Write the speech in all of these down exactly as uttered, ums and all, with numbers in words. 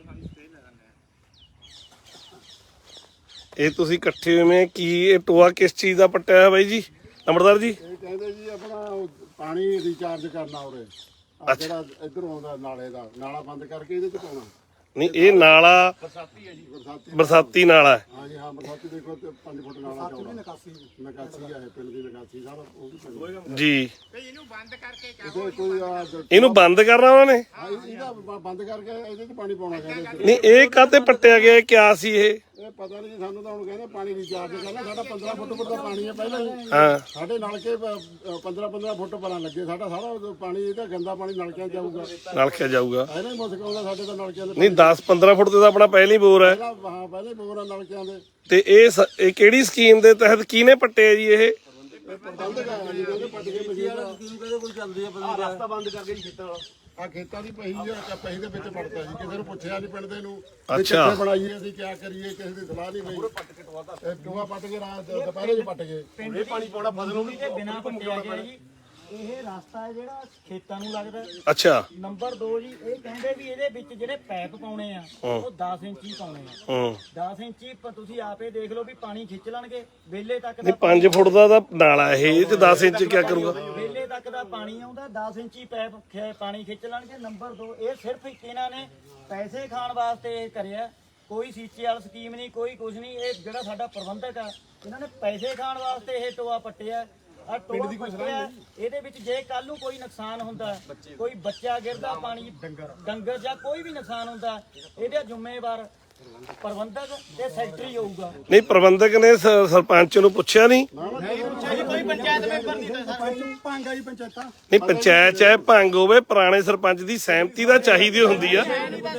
ਇਹ ਤੁਸੀਂ ਇਕੱਠੇ ਹੋਵੇਂ ਕੀ ਇਹ ਟੋਆ ਕਿਸ ਚੀਜ਼ ਦਾ ਪੱਟਿਆ ਹੋਇਆ ਬਾਈ ਜੀ ਨੰਬਰਦਾਰ ਜੀ? ਇਹ ਕਹਿੰਦੇ ਜੀ ਆਪਣਾ ਪਾਣੀ ਰੀਚਾਰਜ ਕਰਨਾ ਉਰੇ ਜਿਹੜਾ ਇਧਰ ਆਉਂਦਾ ਨਾਲੇ ਦਾ ਨਾਲਾ ਬੰਦ ਕਰਕੇ ਇਹਦੇ ਚ ਪਾਉਣਾ। ਨਹੀਂ ਇਹ ਨਾਲਾ ਬਰਸਾਤੀ ਹੈ ਜੀ ਬਰਸਾਤੀ ਬਰਸਾਤੀ ਨਾਲਾ ਹੈ। ਹਾਂ ਜੀ ਹਾਂ ਬਰਸਾਤੀ ਦੇਖੋ ਤੇ ਪੰਜ ਫੁੱਟ ਨਾਲਾ ਚੌੜਾ ਨਿਕਾਸੀ ਨਿਕਾਸੀ ਹੈ ਪਿੰਡ ਦੀ ਨਿਕਾਸੀ ਸਾਰਾ ਉਹ ਵੀ ਪਿੰਡ ਜੀ ਇਹਨੂੰ ਬੰਦ ਕਰਕੇ ਇਹਦੇ ਕੋਈ ਆ ਇਹਨੂੰ ਬੰਦ ਕਰਨਾ ਉਹਨਾਂ ਨੇ? ਹਾਂ ਇਹਦਾ ਬ- ਬੰਦ ਕਰਕੇ ਇਹਦੇ ਚ ਪਾਣੀ ਪਾਉਣਾ ਕਹਿੰਦੇ। ਨਹੀਂ ਇਹ ਕਾਹਤੇ ਪੱਟਿਆ ਗਿਆ ਕਿਆ ਸੀ ਇਹ? ਇਹ ਪਤਾ ਨਹੀਂ ਜੀ ਸਾਨੂੰ ਤਾਂ ਹੁਣ ਕਹਿੰਦੇ ਪਾਣੀ ਰੀਚਾਰਜ ਕਰਨਾ। ਸਾਡਾ ਪੰਦਰਾਂ ਫੁੱਟ ਫੁੱਟ ਦਾ ਪਾਣੀ ਹੈ ਪਹਿਲਾਂ ਹੀ। ਹਾਂ ਸਾਡੇ ਨਲਕੇ ਪੰਦਰਾਂ ਪੰਦਰਾਂ ਫੁੱਟ ਪਾਣਾ ਲੱਗੇ ਸਾਡਾ ਸਾਰਾ ਪਾਣੀ ਇਹਦਾ ਗੰਦਾ ਪਾਣੀ ਨਲਕਿਆਂ 'ਚ ਜਾਊਗਾ। ਨਲਕਿਆ ਜਾਊਗਾ? ਇਹਨਾਂ ਹੀ ਮੁਸ਼ਕ ਆਉਂਦਾ ਸਾਡੇ ਤਾਂ ਨਲਕਿਆਂ ਦੇ ਨਹੀਂ ਦਸ ਪੰਦਰਾਂ ਫੁੱਟ ਤੇ ਤਾਂ ਆਪਣਾ ਪਹਿਲਾਂ ਹੀ ਬੋਰ ਹੈ। ਪਹਿਲਾਂ ਹਾਂ ਪਹਿਲਾਂ ਹੀ ਬੋਰ ਆ ਨਲਕਿਆਂ ਦੇ। ਤੇ ਇਹ ਸ- ਇਹ ਕਿਹੜੀ ਸਕੀਮ ਦੇ ਤਹਿਤ ਕਿਹਨੇ ਪੱਟਿਆ ਜੀ ਇਹ? ਪ੍ਰਬੰਧ ਕਰਾਂਗੇ ਜੀ ਉਹਦੇ ਪੱਟ ਕੇ ਮਸ਼ੀਨ ਕੋਈ ਚੱਲਦੀ ਆ ਰਸਤਾ ਬੰਦ ਕਰਕੇ ਜੀ ਖੇਤਾਂ ਵਾਲਾ ਆ ਖੇਤਾਂ ਦੀ ਪਹੀ ਆ ਪਹੀ ਦੇ ਵਿੱਚ ਪੜਦਾ ਜੀ। ਕਿਸੇ ਨੂੰ ਪੁੱਛਿਆ ਨਹੀਂ ਪਿੰਡ ਦੇ ਨੂੰ ਵੀ ਅੱਛਾ। ਕਿੱਥੇ ਬਣਾਈਏ ਅਸੀਂ ਕੀ ਕਰੀਏ ਕਿਸੇ ਦੀ ਸਲਾਹ ਨਹੀਂ ਪਈ। ਇਹ ਟੋਆ ਪੱਟ ਕੇ ਰਾਤ ਦੁਪਹਿਰੇ ਚ ਪੱਟ ਗਏ। ਇਹ ਪਾਣੀ ਪਾਉਣਾ ਫਸਲ ਨੂੰ ਤੇ ਬਿਨਾ ਪੱਟਿਆ ਗਿਆ ਜੀ। ਇਹ ਰਸਤਾ ਹੈ ਜਿਹੜਾ ਖੇਤਾਂ ਨੂੰ ਲੱਗਦਾ। ਅੱਛਾ। ਨੰਬਰ ਦੋ ਜੀ ਇਹ ਕਹਿੰਦੇ ਵੀ ਇਹਦੇ ਵਿੱਚ ਜਿਹੜੇ ਪੈਪ ਪਾਉਣੇ ਆ ਉਹ ਦਸ ਇੰਚੀ ਪਾਉਣੇ ਆ। ਹੂੰ ਦਸ ਇੰਚੀ ਪ- ਤੁਸੀਂ ਆਪੇ ਦੇਖ ਲਓ ਵੀ ਪਾਣੀ ਖਿੱਚ ਲੈਣਗੇ ਵੇਲੇ ਤੱਕ ਨਹੀਂ ਦਾ ਪੰਜ ਫੁੱਟ ਦਾ ਤਾਂ ਨਾਲਾ ਇਹ ਇਹ ਤੇ ਦਸ ਇੰਚ ਕੀ ਕਰੂਗਾ? ਵੇਲੇ ਤੱਕ ਦਾ ਪਾਣੀ ਆਉਂਦਾ ਦਸ ਇੰਚੀ ਪੈਪ ਖਿ- ਪਾਣੀ ਖਿੱਚ ਲੈਣਗੇ। ਨੰਬਰ ਦੋ ਇਹ ਸਿਰਫ ਇੱਕ ਇਹਨਾਂ ਨੇ ਪੈਸੇ ਖਾਣ ਵਾਸਤੇ ਇਹ ਕਰਿਆ। ਕੋਈ ਸੀਚੇ ਵਾਲੀ ਸਕੀਮ ਨਹੀਂ ਕੋਈ ਕੁਝ ਨਹੀਂ। ਇਹ ਜਿਹੜਾ ਸਾਡਾ ਪ੍ਰਬੰਧਕ ਆ ਇਹਨਾਂ ਨੇ ਪੈਸੇ ਖਾਣ ਵਾਸਤੇ ਇਹ ਟੋਆ ਪੱਟਿਆ। ਆ ਟੋਆ ਪੱਟਿਆ ਇਹਦੇ ਵਿੱਚ ਜੇ ਕੱਲ ਨੂੰ ਕੋਈ ਨੁਕਸਾਨ ਹੁੰਦਾ ਕੋਈ ਬੱਚਾ ਗਿਰਦਾ ਪਾਣੀ ਡੰਗਰ ਜਾਂ ਕੋਈ ਵੀ ਨੁਕਸਾਨ ਹੁੰਦਾ ਇਹਦੇ ਜ਼ਿੰਮੇਵਾਰ ਪ੍ਰਬੰਧਕ ਤੇ ਸੈਕਟਰੀ ਹੋਊਗਾ। ਨਹੀਂ ਪ੍ਰਬੰਧਕ ਨੇ ਸ- ਸਰਪੰਚ ਨੂੰ ਪੁੱਛਿਆ ਨਹੀਂ? ਕੋਈ ਪੰਚਾਇਤ ਮੈਂਬਰ ਨਹੀਂ ਭਾਂਗਾ ਜੀ ਪੰਚਾਇਤਾਂ ਨਹੀਂ ਪੰਚਾਇਤ ਚਾਹੇ ਭੰਗ ਹੋਵੇ ਪੁਰਾਣੇ ਸਰਪੰਚ ਦੀ ਸਹਿਮਤੀ ਤਾਂ ਚਾਹੀਦੀ ਹੁੰਦੀ ਆ।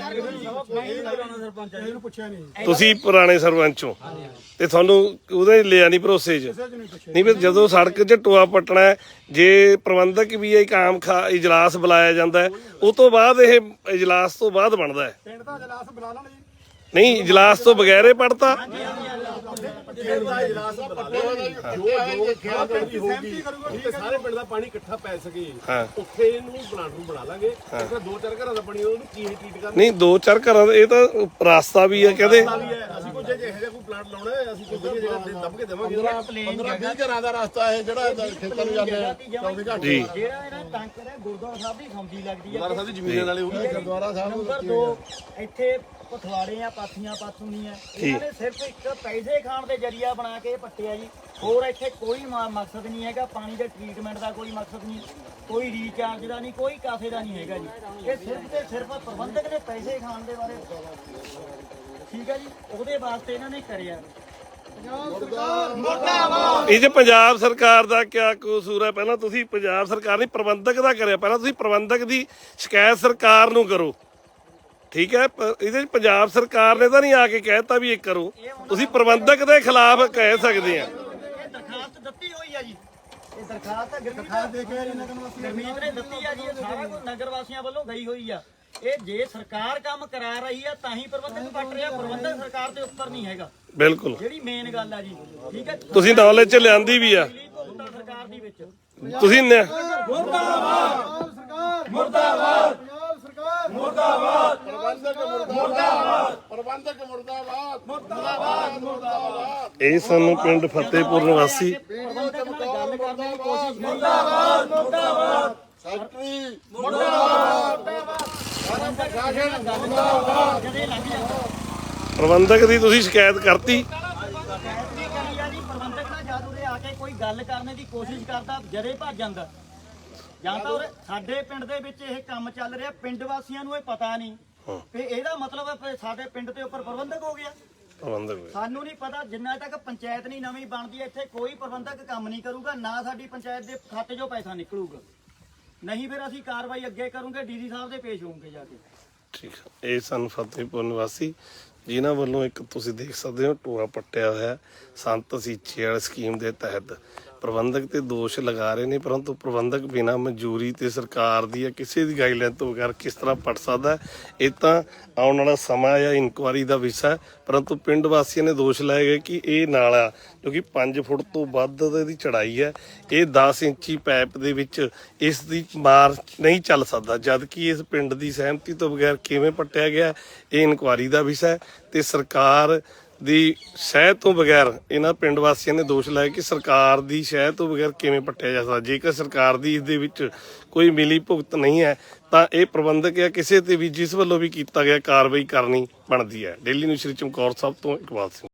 ਇਹਨੂੰ ਪੁੱਛਿਆ ਨਹੀਂ। ਤੁਸੀਂ ਪੁਰਾਣੇ ਸਰਪੰਚ ਹੋ ਤੇ ਤੁਹਾਨੂੰ ਉਹਦੇ ਲਿਆ ਨਹੀਂ ਭਰੋਸੇ 'ਚ? ਨਹੀਂ ਫਿਰ ਜਦੋਂ ਸੜਕ 'ਚ ਟੋਆ ਪੱਟਣਾ ਹੈ, ਜੇ ਪ੍ਰਬੰਧਕ ਵੀ ਇੱਕ ਆਮ ਖਾ ਇਜਲਾਸ ਬੁਲਾਇਆ ਜਾਂਦਾ ਹੈ ਉਹ ਤੋਂ ਬਾਅਦ ਇਹ ਇਜਲਾਸ ਤੋਂ ਬਾਅਦ ਬਣਦਾ ਹੈ। ਪਿੰਡ ਦਾ ਇਜਲਾਸ ਬੁਲਾ ਲੈਣ ਜੀ। ਨਹੀਂ ਇਜਲਾਸ ਤੋਂ ਬਗੈਰੇ ਪੜਤਾ? ਪਿੰਡ ਦਾ ਇਜਲਾਸ ਬੁਲਾ ਲੈਣ ਜੋ ਜੋ ਖੇਤੀ ਹੋਊਗੀ ਤੇ ਸਾਰੇ ਪਿੰਡ ਦਾ ਪਾਣੀ ਇਕੱਠਾ ਪੈ ਸਕੇ ਹਾਂ ਉੱਥੇ ਇਹਨੂੰ ਪਲਾਂਟ ਨੂੰ ਬਣਾ ਲਾਂਗੇ। ਫਿਰ ਦੋ ਚਾਰ ਘਰਾਂ ਦਾ ਪਾਣੀ ਉਹਨੂੰ ਕੀ ਟ੍ਰੀਟ ਕਰਨਾ ਨਹੀਂ ਦੋ ਚਾਰ ਘਰਾਂ ਦਾ ਇਹ ਤਾਂ ਰਾਸਤਾ ਵੀ ਹੈ ਕਹਿੰਦੇ। ਵੀ ਹੈ। ਅਸੀਂ ਕੋਈ ਜੇ ਇਹੋ ਜਿਹਾ ਕੋਈ ਪਲਾਂਟ ਲਾਉਣਾ ਹੈ ਅਸੀਂ ਕੋਈ ਵਧੀਆ ਜਗ੍ਹਾ ਤੇ ਦੱਬ ਕੇ ਦੇਵਾਂਗੇ। ਪੰਦਰਾਂ ਵੀਹ ਘਰਾਂ ਦਾ ਰਸਤਾ ਹੈ ਜਿਹੜਾ ਖੇਤਾਂ ਨੂੰ ਜਾਂਦੇ ਆ ਚੌਵੀ ਘੰਟੇ। ਜੀ ਜਿਹੜਾ ਇਹਨਾਂ ਟਾਂਕਰ ਹੈ ਗੁਰਦੁਆਰਾ ਸਾਹਿਬ ਦੀ ਸਮਝੀ ਲੱਗਦੀ ਹੈ। ਗੁਰਦੁਆਰਾ ਸਾਹਿਬ ਦੀ ਜ਼ਮੀਨਾਂ ਨਾਲੇ ਉਹ ਵੀ ਗੁਰਦੁਆਰਾ ਸਾਹਿਬ ਨੰਬਰ ਦੋ ਇੱਥੇ ਪਥਵਾੜੇ ਆ ਪਾਥੀਆਂ ਪਾਥੂਨੀਆਂ ਇਹਨਾਂ ਨੇ ਸਿਰਫ ਇੱਕ ਪੈਸੇ ਖਾਣ ਦੇ ਜਰੀਆ ਬਣਾ ਕੇ ਪੱਟਿਆ ਜੀ। ਹੋਰ ਇੱਥੇ ਕੋਈ ਮ- ਮਕਸਦ ਨਹੀਂ ਹੈਗਾ। ਪਾਣੀ ਦੇ ਟ੍ਰੀਟਮੈਂਟ ਦਾ ਕੋਈ ਮਕਸਦ ਨਹੀਂ ਕੋਈ ਰੀਚਾਰਜ ਦਾ ਨਹੀਂ ਕੋਈ ਕਾਸੇ ਦਾ ਨਹੀਂ ਹੈਗਾ ਜੀ। ਇਹ ਸਿਰਫ ਤੇ ਸਿਰਫ ਪ੍ਰਬੰਧਕ ਨੇ ਪੈਸੇ ਖਾਣ ਦੇ ਬਾਰੇ ਠੀਕ ਹੈ ਜੀ ਉਹਦੇ ਵਾਸਤੇ ਇਹਨਾਂ ਨੇ ਕਰਿਆ। ਇਹ ਜੇ ਪੰਜਾਬ ਸਰਕਾਰ ਦਾ ਕਿਆ ਕਸੂਰ ਹੈ? ਪਹਿਲਾਂ ਤੁਸੀਂ ਪੰਜਾਬ ਸਰਕਾਰ ਨਹੀਂ ਪ੍ਰਬੰਧਕ ਦਾ ਕਰਿਆ। ਪਹਿਲਾਂ ਤੁਸੀਂ ਪ੍ਰਬੰਧਕ ਦੀ ਸ਼ਿਕਾਇਤ ਸਰਕਾਰ ਨੂੰ ਕਰੋ ਠੀਕ ਹੈ। ਪ- ਇਹਦੇ 'ਚ ਪੰਜਾਬ ਸਰਕਾਰ ਨੇ ਤਾਂ ਨਹੀਂ ਆ ਕੇ ਕਹਿਤਾ ਵੀ ਇਹ ਕਰੋ। ਤੁਸੀਂ ਪ੍ਰਬੰਧਕ ਦੇ ਖਿਲਾਫ ਕਹਿ ਸਕਦੇ ਆ। ਇਹ ਦਰਖਾਸਤ ਦਿੱਤੀ ਹੋਈ ਆ ਜੀ। ਇਹ ਦਰਖਾਸਤ ਦਰਖਾਸਤ ਦੇ ਕੇ ਗਰਮੀਤ ਨੇ ਦਿੱਤੀ ਆ ਜੀ। ਇਹ ਸਾਰਾ ਕੁਝ ਨਗਰ ਵਾਸੀਆਂ ਵੱਲੋਂ ਗਈ ਹੋਈ ਆ। ਇਹ ਜੇ ਸਰਕਾਰ ਕੰਮ ਕਰਾ ਰਹੀ ਆ ਤਾਂ ਹੀ ਪ੍ਰਬੰਧਕ ਪੱਟ ਰਿਹਾ। ਪ੍ਰਬੰਧਕ ਸਰਕਾਰ ਦੇ ਉੱਪਰ ਨਹੀਂ ਹੈਗਾ ਬਿਲਕੁਲ ਜਿਹੜੀ ਮੇਨ ਗੱਲ ਆ ਜੀ ਠੀਕ ਹੈ। ਤੁਸੀਂ ਨੌਲੇਜ 'ਚ ਲਿਆਂਦੀ ਵੀ ਆ ਦਿੱਲੀ ਭੁਗਤਾ ਸਰਕਾਰ ਦੀ ਵਿੱਚ ਤੁਸੀਂ ਨ- ਪ੍ਰਬੰਧਕ ਮੁਰਦਾਬਾਦ ਪ੍ਰਬੰਧਕ ਮੁਰਦਾਬਾਦ ਮੁਰਦਾਬਾਦ ਮੁਰਦਾਬਾਦ। ਇਹ ਸਾਨੂੰ ਪਿੰਡ ਫਤਿਹਪੁਰ ਨਿਵਾਸੀ ਪ੍ਰਬੰਧਕ ਨਾਲ ਗੱਲ ਕਰਨ ਦੀ ਕੋਸ਼ਿਸ਼ ਨਹੀਂ। ਸੈਕਟਰੀ ਮੁਰਦਾਬਾਦ ਜਦੇ ਲੱਗ ਜਾਂਦਾ ਪ੍ਰਬੰਧਕ ਦੀ ਤੁਸੀਂ ਸ਼ਿਕਾਇਤ ਕਰਤੀ? ਸ਼ਿਕਾਇਤ ਵੀ ਕਰੀ ਆ ਜੀ। ਪ੍ਰਬੰਧਕ ਨਾਲ ਜਦ ਉਰੇ ਆ ਕੇ ਕੋਈ ਗੱਲ ਕਰਨ ਦੀ ਕੋਸ਼ਿਸ਼ ਕਰਦਾ ਜਦੇ ਭੱਜ ਜਾਂਦਾ। ਜਾਂ ਤਾਂ ਉਰੇ ਸਾਡੇ ਪਿੰਡ ਦੇ ਵਿੱਚ ਇਹ ਕੰਮ ਚੱਲ ਰਿਹਾ ਪਿੰਡ ਵਾਸੀਆਂ ਨੂੰ ਇਹ ਪਤਾ ਨਹੀਂ ਤੇ ਇਹਦਾ ਮਤਲਬ ਹੈ ਵੀ ਸਾਡੇ ਪਿੰਡ ਦੇ ਉੱਪਰ ਪ੍ਰਬੰਧਕ ਹੋ ਗਿਆ। ਪ੍ਰਬੰਧਕ ਹੋਏ। ਸਾਨੂੰ ਨਹੀਂ ਪਤਾ ਜਿੰਨਾ ਤੱਕ ਪੰਚਾਇਤ ਨਹੀਂ ਨਵੀਂ ਬਣਦੀ ਇੱਥੇ ਕੋਈ ਪ੍ਰਬੰਧਕ ਕੰਮ ਨਹੀਂ ਕਰੂਗਾ ਨਾ ਸਾਡੀ ਪੰਚਾਇਤ ਦੇ ਖਾਤੇ 'ਚੋਂ ਪੈਸਾ ਨਿਕਲੂਗਾ। ਨਹੀਂ ਫਿਰ ਅਸੀਂ ਕਾਰਵਾਈ ਅੱਗੇ ਕਰੂਗੇ ਡੀਸੀ ਸਾਹਿਬ ਦੇ ਪੇਸ਼ ਹੋਵਾਂਗੇ ਜਾ ਕੇ। ਠੀਕ ਹੈ। ਇਹ ਸਨ ਫਤਿਹਪੁਰ ਨਿਵਾਸੀ ਜਿਨ੍ਹਾਂ ਵੱਲੋਂ ਇੱਕ ਤੁਸੀਂ ਦੇਖ ਸਕਦੇ ਹੋ ਟੋਆ ਪੱਟਿਆ ਹੋਇਆ ਸੰਤ ਸੀਚੇ ਵਾਲੀ ਸਕੀਮ ਦੇ ਤਹਿਤ ਪ੍ਰਬੰਧਕ ਤੇ ਦੋਸ਼ ਲਗਾ ਰਹੇ ਨੇ, ਪਰੰਤੂ ਪ੍ਰਬੰਧਕ ਬਿਨਾਂ ਮਨਜ਼ੂਰੀ ਤੇ ਸਰਕਾਰ ਦੀ ਜਾਂ ਕਿਸੇ ਦੀ ਗਾਈਡਲਾਈਨ ਤੋਂ ਬਗੈਰ ਕਿਸ ਤਰ੍ਹਾਂ ਪੜ ਸਕਦਾ ਹੈ? ਇਹ ਤਾਂ ਆਉਣ ਵਾਲਾ ਸਮਾਂ ਜਾਂ ਇਨਕੁਆਰੀ ਦਾ ਵਿਸ਼ਾ ਹੈ। ਪਰੰਤੂ ਪਿੰਡ ਵਾਸੀਆਂ ਨੇ ਦੋਸ਼ ਲਾਏ ਗਏ ਕਿ ਇਹ ਨਾਲਾ ਜੋ ਕਿ ਪੰਜ ਫੁੱਟ ਤੋਂ ਵੱਧ ਦੀ ਚੜਾਈ ਹੈ, ਇਹ ਦਸ ਇੰਚੀ ਪਾਈਪ ਦੇ ਵਿੱਚ ਇਸ ਦੀ ਮਾਰ ਨਹੀਂ ਚੱਲ ਸਕਦਾ, ਜਦ ਕਿ ਇਸ ਪਿੰਡ ਦੀ ਸਹਿਮਤੀ ਤੋਂ ਬਗੈਰ ਕਿਵੇਂ ਪੱਟਿਆ ਗਿਆ, ਇਹ ਇਨਕੁਆਰੀ ਦਾ ਵਿਸ਼ਾ ਹੈ। ਤੇ ਸਰਕਾਰ ਦੀ ਸ਼ਹਿ ਤੋਂ ਬਗੈਰ ਇਹਨਾਂ ਪਿੰਡ ਵਾਸੀਆਂ ਨੇ ਦੋਸ਼ ਲਾਇਆ ਕਿ ਸਰਕਾਰ ਦੀ ਸ਼ਹਿ ਤੋਂ ਬਗੈਰ ਕਿਵੇਂ ਪੱਟਿਆ ਜਾ ਸਕਦਾ। ਜੇਕਰ ਸਰਕਾਰ ਦੀ ਇਸ ਦੇ ਵਿੱਚ ਕੋਈ ਮਿਲੀ ਭੁਗਤ ਨਹੀਂ ਹੈ ਤਾਂ ਇਹ ਪ੍ਰਬੰਧਕ ਜਾਂ ਕਿਸੇ ਤੇ ਵੀ ਜਿਸ ਵੱਲੋਂ ਵੀ ਕੀਤਾ ਗਿਆ ਕਾਰਵਾਈ ਕਰਨੀ ਬਣਦੀ ਹੈ। ਡੇਲੀ ਨਿਊਜ਼ ਸ਼੍ਰੀ ਚਮਕੌਰ ਸਾਹਿਬ ਤੋਂ ਇਕਬਾਲ ਸਿੰਘ।